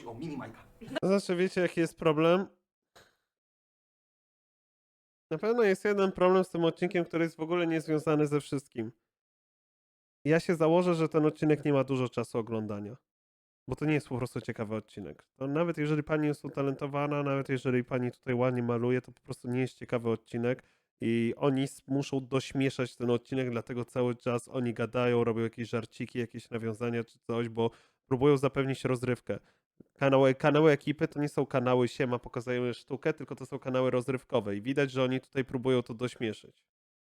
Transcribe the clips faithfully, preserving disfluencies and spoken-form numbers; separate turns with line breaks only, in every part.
chodzi o mini Majka.
To znaczy, wiecie jaki jest problem? Na pewno jest jeden problem z tym odcinkiem, który jest w ogóle niezwiązany ze wszystkim. Ja się założę, że ten odcinek nie ma dużo czasu oglądania. Bo to nie jest po prostu ciekawy odcinek. To nawet jeżeli pani jest utalentowana, nawet jeżeli pani tutaj ładnie maluje, to po prostu nie jest ciekawy odcinek i oni s- muszą dośmieszać ten odcinek, dlatego cały czas oni gadają, robią jakieś żarciki, jakieś nawiązania czy coś, bo próbują zapewnić rozrywkę. Kanały, kanały ekipy to nie są kanały siema, pokazują sztukę, tylko to są kanały rozrywkowe i widać, że oni tutaj próbują to dośmieszyć.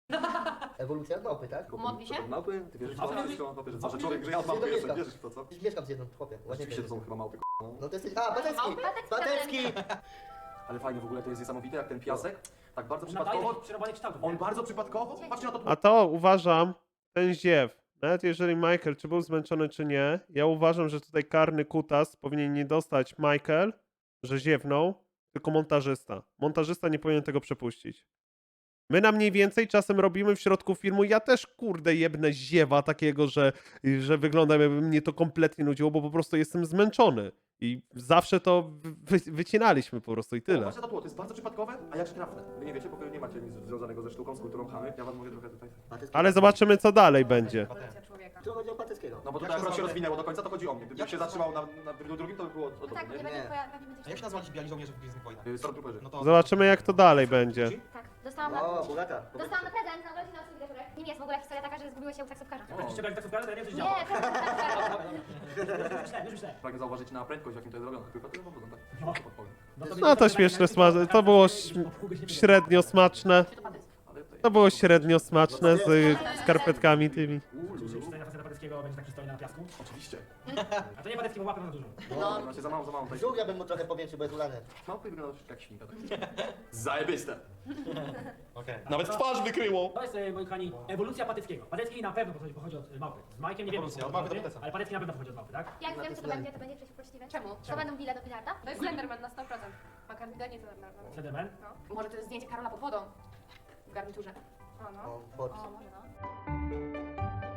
Ewolucja małpy, tak?
Modli się?
Małpy? Ty wierzysz w to?
Małpy?
Wierzysz w to? Małpy, że co, że
Małpy?
człowiek, że ja od małpy
Gdzie
jestem,
mieszkasz?
wierzysz w to, co?
Przecież mieszkam z jedną, chłopie. Ładnie
Oczywiście to są chyba małpy, no.
No to jesteś... A, Batecki!
Małpy?
Batecki!
Ale fajnie w ogóle, to jest niesamowite, jak ten piasek, tak bardzo
Nadaje
przypadkowo,
takich przerąbanych kształtów.
on bardzo przypadkowo, patrzcie na to
A to uważam, ten ziew, nawet jeżeli Michael czy był zmęczony czy nie, ja uważam, że tutaj karny kutas powinien nie dostać Michael, że ziewnął, tylko montażysta. Montażysta nie powinien tego przepuścić. My na mniej więcej czasem robimy w środku filmu, ja też kurde jebnę ziewa takiego, że, że wygląda jakby mnie to kompletnie nudziło, bo po prostu jestem zmęczony. I zawsze to wy, wycinaliśmy po prostu i
O,
tyle.
Patrzcie na to tło, to jest bardzo przypadkowe, a jakże trafne. Wy nie wiecie, bo wy nie macie nic związanego ze sztuką, z kulturą chamy. Ja wam mówię trochę tutaj.
Batecki.
Ale zobaczymy co dalej będzie.
Ewolucja człowieka.
Tu chodzi o Bateckiego.
No bo tutaj
Jak
akurat
się
się
nazywa-
rozwinęło do końca, to chodzi o mnie. Gdybym
Jak
się
się
zatrzymał na, na dru- drugim, to by było o
No
to.
tak, bo nie
nie?
będzie
Nie.
twoja... pewnie będzie
A jak się nazywali ci biali żołnierze w Gwiezdnych Wojnach?
Y, Stormtrooperzy.
No to...
Zobaczymy jak to dalej będzie.
Tak, dostałam na...
O, bogata.
Dostałam na prezent na urodziny od Sylwia Żurek. Nim jest w ogóle historia taka, że zgubiło się u taksówkarza.
Jak się brali taksówkarza, to ja nie wiem, co się
Nie,
działo.
prezent taksówkarza.
Już myślałem, już myślałem.
Pragnę zauważyć na prędkość, jakim to jest zrobione. Tylko tyle wam powiem, tak?
No.
Podpowiem.
No to śmieszne, smaczne. To było śm- średnio smaczne.
Ale tutaj...
To było średnio smaczne z y, skarpetkami tymi.
Czy historia faceta Pateckiego będzie taki stoi na piasku?
Oczywiście.
A to nie Patecki, bo łapę na dużą.
No, znaczy za mało, za mało. Tutaj.
Żółwia bym mu trochę powiększył, bo jest ulany.
Małpy wyglądają troszeczkę jak świnka. Zajebiste.
Okej.
Nawet twarz wykryło.
To jest, e, moi kochani, ewolucja Pateckiego. Patecki na pewno pochodzi, pochodzi od e, małpy. Z Majkiem nie wiem,
Ewolucja,
czy
od małpy do
pochodzi,
Pateca.
ale Patecki na pewno pochodzi od małpy, tak?
Jak wiem, co to będzie, to będzie przeciwpoczciwe.
Czemu?
To będą bile do bilarda?
To jest Slenderman na sto procent. Ma kandydanie Slenderman.
Slenderman?
No. Może to jest zdjęcie Karola pod wodą. W garniturze. O no.
O, pod.
O, może no.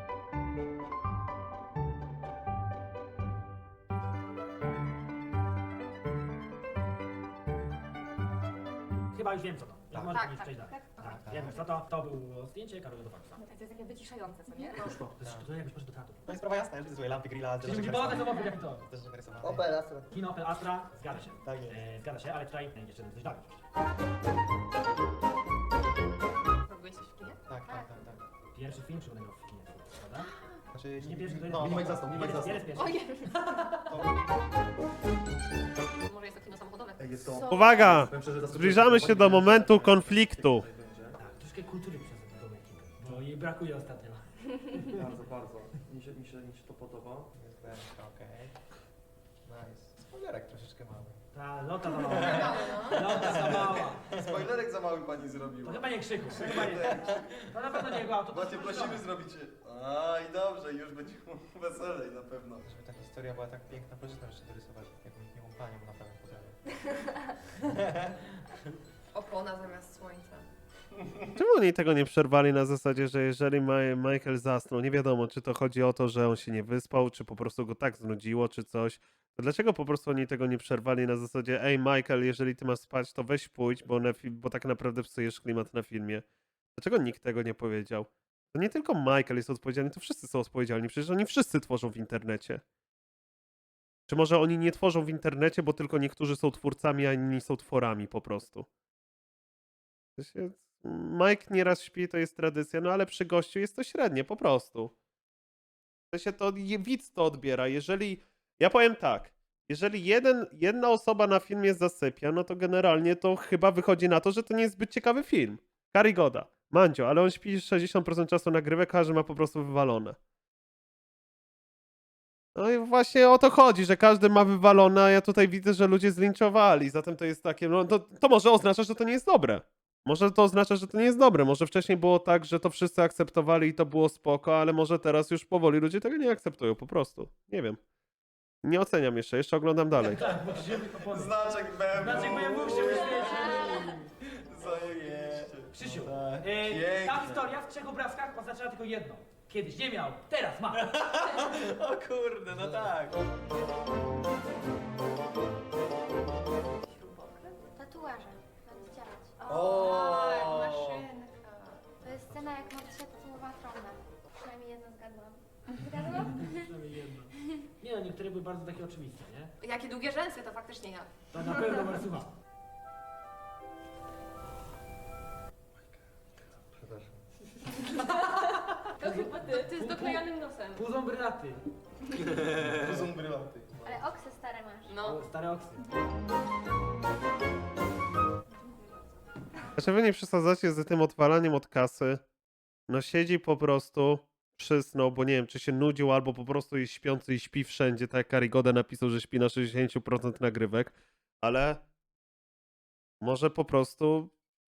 Chyba już wiem co to. Jak
Tak.
może
Tak,
tak,
tak,
przejść dalej.
tak.
Tak, wiem co to. To było zdjęcie Karola do Faksa.
To jest takie wyciszające, co nie?
To jest, to jakbyś poszedł do teatru.
To jest sprawa jasna, już złe lampy, grilla,
Czyli musi badać zobacz jak to.
Też narysowane.
Opel Astra.
Kino Opel Astra, zgadza się.
Tak jest.
E, zgadza się, ale tutaj e, jeszcze coś dalej.
Byłeś coś w kinie?
Tak, tak, tak, tak.
Pierwszy film przygodowy w kinie, prawda?
Znaczy,
Nie pierwszy, to
no,
jest...
Minimek zasnął, Minimek
Jest-
zasnął.
jest pierwszy.
Ojej. Może jest to kino samochodowe.
Jest
Co?
Uwaga!
Powiem szczerze, zaskoczyłem
Zbliżamy się do momentu konfliktu.
Tak, troszkę kultury przez tą ekipę, bo jej brakuje ostatnio.
Bardzo, bardzo. Mi się, mi się, mi się to podoba.
Jest wężka, okej. Nice. Spoilerek troszeczkę mały.
Ta lota za mała.
No.
Lota za mała.
Spoilerek za mały pani
To
zrobiła.
chyba nie krzyku, to chyba nie. To na pewno nie jego auto.
Właśnie prosimy zrobić. A i dobrze, już będzie weselej na pewno.
Żeby ta historia była tak piękna, proszę tam jeszcze dorysować jakąś miłą panią na prawym fotelu.
Opona zamiast słońca.
Czemu oni tego nie przerwali na zasadzie, że jeżeli Ma- Michael zasnął, nie wiadomo, czy to chodzi o to, że on się nie wyspał, czy po prostu go tak znudziło, czy coś. To dlaczego po prostu oni tego nie przerwali na zasadzie, ej Michael, jeżeli ty masz spać, to weź pójdź, bo, na fi- bo tak naprawdę psujesz klimat na filmie. Dlaczego nikt tego nie powiedział? To nie tylko Michael jest odpowiedzialny, to wszyscy są odpowiedzialni, przecież oni wszyscy tworzą w internecie. Czy może oni nie tworzą w internecie, bo tylko niektórzy są twórcami, a inni są tworami po prostu. To się... Mike nieraz śpi, to jest tradycja, no ale przy gościu jest to średnie, po prostu. To się to, je- widz to odbiera. Jeżeli, ja powiem tak, jeżeli jeden, jedna osoba na filmie zasypia, no to generalnie to chyba wychodzi na to, że to nie jest zbyt ciekawy film. Karygoda, Mandzio, ale on śpi sześćdziesiąt procent czasu nagrywek, każdy ma po prostu wywalone. No i właśnie o to chodzi, że każdy ma wywalone, a ja tutaj widzę, że ludzie zlinczowali, zatem to jest takie, no to, to może oznacza, że to nie jest dobre. Może to oznacza, że to nie jest dobre. Może wcześniej było tak, że to wszyscy akceptowali i to było spoko, ale może teraz już powoli ludzie tego nie akceptują, po prostu. Nie wiem. Nie oceniam jeszcze, jeszcze oglądam dalej.
Tak, bo się opony.
Znaczek B M W.
Znaczek B M W się wyświeci.
Zajebiście.
Krzysiu,
Tak.
e,
Piękne.
ta historia w trzech obrazkach oznaczała tylko jedno. Kiedyś nie miał, teraz ma.
O kurde, no tak.
bardzo takie oczywiste, nie?
Jakie długie rzęsy, to faktycznie ja.
To na pewno Marsucha.
Przepraszam.
To chyba ty. Ty z doklejonym nosem.
Puzą brylaty.
To są brylanty.
Ale oksy stare masz.
No.
O, stare oksy.
Znaczy wy nie przesadzacie z tym odwalaniem od kasy. No siedzi po prostu, przysnął, bo nie wiem, czy się nudził, albo po prostu jest śpiący i śpi wszędzie, tak jak Karigoda napisał, że śpi na sześćdziesiąt procent nagrywek, ale może po prostu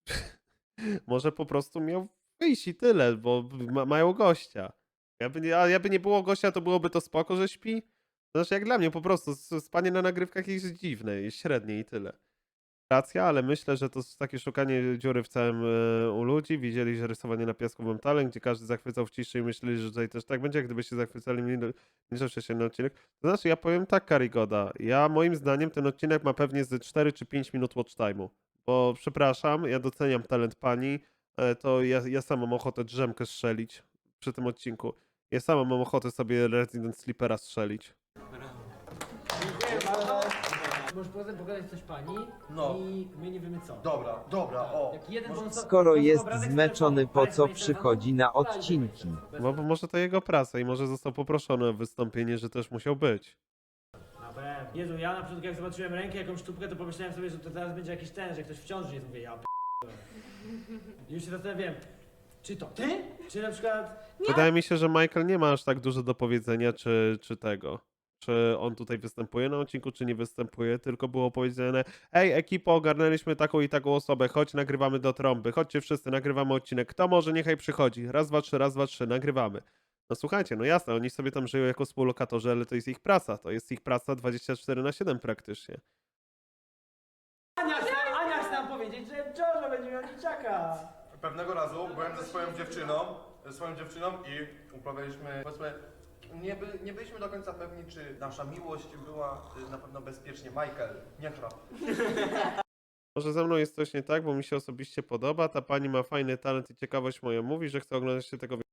może po prostu miał wyjść i tyle, bo ma, mają gościa. Jakby nie, a jakby nie było gościa, to byłoby to spoko, że śpi? Znaczy jak dla mnie po prostu, s- spanie na nagrywkach jest dziwne, jest średnie i tyle. Racja, ale myślę, że to jest takie szukanie dziury w całym e, u ludzi. Widzieli, że rysowanie na piasku był talent, gdzie każdy zachwycał w ciszy i myśleli, że tutaj też tak będzie, jak gdybyście zachwycali mnie się na odcinek. To znaczy, ja powiem tak, Karigoda, ja moim zdaniem ten odcinek ma pewnie ze cztery czy pięć minut watch time'u, bo przepraszam, ja doceniam talent pani, ale to ja, ja sam mam ochotę drzemkę strzelić przy tym odcinku. Ja sam mam ochotę sobie Resident Sleepera strzelić.
Dziękuję bardzo. Możesz potem pokazać coś pani
No.
i my nie wiemy co.
Dobra, dobra, o.
Jak jeden
Może-
bonus-
Skoro
bonus
jest
obrazek z
zmęczony,
telefonu.
po co
Daj,
przychodzi na
daj, daj,
odcinki?
bez-
Bo bo może to jego praca i może został poproszony o wystąpienie, że też musiał być.
Na pewno. Jezu, ja na początku jak zobaczyłem rękę, jakąś sztukę, to pomyślałem sobie, że to teraz będzie jakiś ten, że ktoś w ciąży jest. Mówię, ja p***dolę. Już się zastanawiałem, czy to ty? Czy na przykład...
Wydaje mi się, że Michael nie ma aż tak dużo do powiedzenia, czy, czy tego. Czy on tutaj występuje na odcinku, czy nie występuje, tylko było powiedziane: ej, ekipo, ogarnęliśmy taką i taką osobę, chodź, nagrywamy do trąby, chodźcie wszyscy, nagrywamy odcinek, kto może, niechaj przychodzi, raz, dwa, trzy, raz, dwa, trzy, nagrywamy. No słuchajcie, no jasne, oni sobie tam żyją jako współlokatorzy, ale to jest ich praca, to jest ich praca dwadzieścia cztery na siedem praktycznie.
Ania chce, Ania chce nam powiedzieć, że w ciąży będzie miał dzieciaka.
Pewnego razu byłem ze swoją dziewczyną, ze swoją dziewczyną i uprawialiśmy, powiedzmy, nie, by, nie byliśmy do końca pewni, czy nasza miłość była y, na pewno bezpiecznie. Michael, nie chrap.
Może ze mną jest coś nie tak, bo mi się osobiście podoba, ta pani ma fajny talent i ciekawość moja mówi, że chce oglądać się tego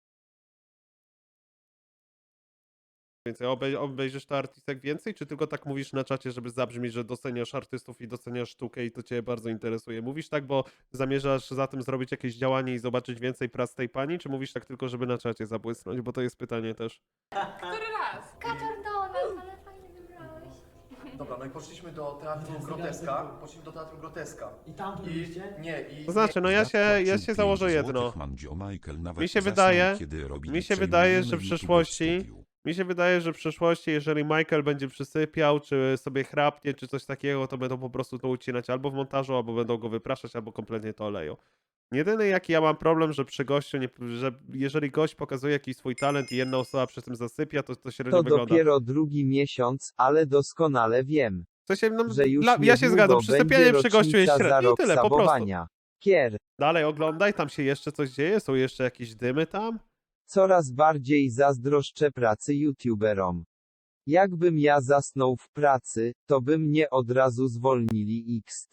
więcej. Obej obejrzysz to artystek więcej, czy tylko tak mówisz na czacie, żeby zabrzmieć, że doceniasz artystów i doceniasz sztukę i to cię bardzo interesuje? Mówisz tak, bo zamierzasz za tym zrobić jakieś działanie i zobaczyć więcej prac tej pani, czy mówisz tak tylko, żeby na czacie zabłysnąć? Bo to jest pytanie też.
Który raz?
Kaczor Donald, ale fajnie wybrałeś.
Dobra, no i poszliśmy do teatru
Jest
Groteska,
zegarek.
poszliśmy do teatru Groteska.
I tam tu
I
byliście?
nie, i...
To znaczy, no ja się, ja się założę jedno. Mi się wydaje, mi się wydaje, że w przyszłości, mi się wydaje, że w przyszłości, jeżeli Michael będzie przysypiał, czy sobie chrapnie, czy coś takiego, to będą po prostu to ucinać albo w montażu, albo będą go wypraszać, albo kompletnie to oleją. Jedyny jaki ja mam problem, że przy gościu, nie, że jeżeli gość pokazuje jakiś swój talent i jedna osoba przy tym zasypia, to to średnio
To
wygląda.
dopiero drugi miesiąc, ale doskonale wiem,
W sensie, no,
że już
dla, ja się
niedługo
zgadzam, przysypianie
będzie
przy gościu jest
rocznica za
średnie i
rok
tyle, po prostu.
sabowania. Kier,
Dalej oglądaj, tam się jeszcze coś dzieje, są jeszcze jakieś dymy tam.
coraz bardziej zazdroszczę pracy youtuberom. Jakbym ja zasnął w pracy, to by mnie od razu zwolnili X.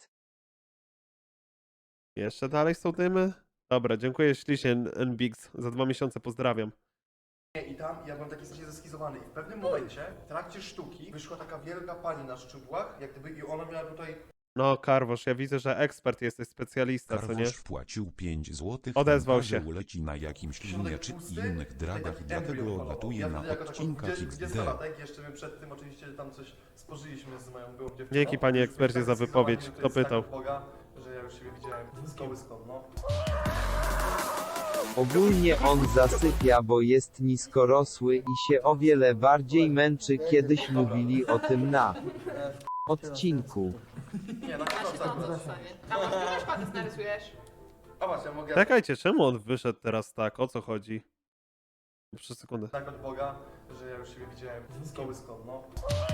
Jeszcze dalej są dymy? Dobra, dziękuję ślicznie N B X. Za dwa miesiące pozdrawiam.
I tam ja byłem taki strasznie zeskizowany i w pewnym momencie, w trakcie sztuki, wyszła taka wielka pani na szczudłach, jak gdyby i ona miała tutaj...
No, Karwosz, ja widzę, że ekspert jesteś, specjalista, co nie?
Karwosz wpłacił pięć złotych.
Odezwał
Montaże
się.
uleci na jakimś
środek
linie czy
pusty,
innych
tutaj
dragach,
taki
dlatego
embrion falował.
latuje
Ja
na
wtedy jako
odcinkach
taki
X D.
dwudziestolatek, jeszcze my przed tym oczywiście tam coś spożyliśmy z moją byłą dziewczyną.
Dzięki, panie
Już
ekspercie,
byłem
za
tak
wypowiedź.
zeskizowany,
Kto
że to jest
pytał?
tak od Boga, że ja już siebie widziałem z kołyską, no.
Ogólnie on zasypia, bo jest niskorosły i się o wiele bardziej męczy. Kiedyś mówili o tym na odcinku.
Nie, na
Ja się
pewno
to
tak.
zostanie. A może ty też patyc narysujesz?
A właśnie, ja mogę
Czekajcie, czemu on wyszedł teraz tak? O co chodzi? Przez sekundę.
tak od Boga, że ja już siebie widziałem z kołyską, no.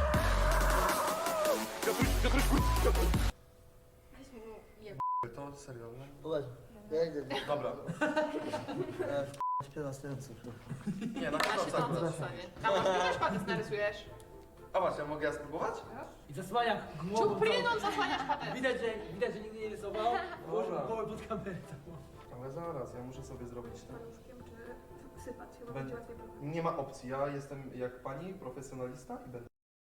Weź mu je...
To serio, no?
Poważnie. Ja idę.
Dobra.
Śpię następcy.
Nie, na
Ja
pewno
się
tak.
to zostanie. A może ty też patyc narysujesz?
A właśnie, mogę ja spróbować?
I zasłania głową.
Czupryną zasłaniasz patyc.
Widać, że, widać, że nigdy nie rysował. Położył głowę pod kamerę.
Ale zaraz, ja muszę sobie zrobić ten.
Sypać, chyba
Będę- Nie ma opcji, ja jestem jak pani, profesjonalista i będę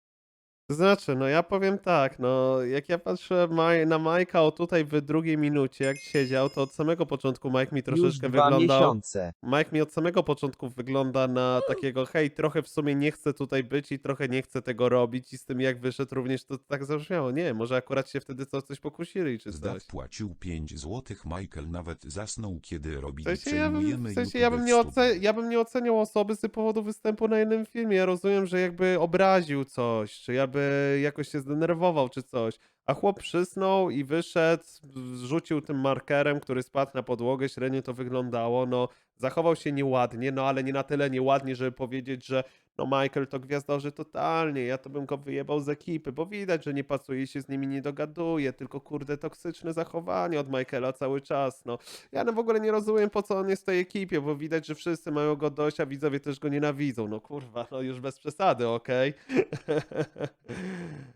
To znaczy, no ja powiem tak, no jak ja patrzę Maj- na Majka o tutaj w drugiej minucie, jak siedział, to od samego początku Mike mi
Już
troszeczkę
dwa
wyglądał...
miesiące.
Mike mi od samego początku wygląda na takiego, hej, trochę w sumie nie chcę tutaj być i trochę nie chcę tego robić i z tym jak wyszedł również to tak zabrzmiało. Nie, może akurat się wtedy co, coś pokusili czy
Zdaw
coś.
płacił pięć złotych. Michael nawet zasnął, kiedy
W
robili
sensie, ja bym,
przejmujemy
w sensie
YouTube
ja, bym
w
nie
studiu.
oce- ja bym nie oceniał osoby z powodu występu na jednym filmie. Ja rozumiem, że jakby obraził coś, czy jakby jakoś się zdenerwował, czy coś. A chłop przysnął i wyszedł, rzucił tym markerem, który spadł na podłogę, średnio to wyglądało. No, zachował się nieładnie, no ale nie na tyle nieładnie, żeby powiedzieć, że no Michael to gwiazdorzy totalnie, ja to bym go wyjebał z ekipy, bo widać, że nie pasuje i się z nimi nie dogaduje, tylko kurde toksyczne zachowanie od Michaela cały czas, no. Ja no w ogóle nie rozumiem, po co on jest w tej ekipie, bo widać, że wszyscy mają go dość, a widzowie też go nienawidzą. No kurwa, no już bez przesady, okej?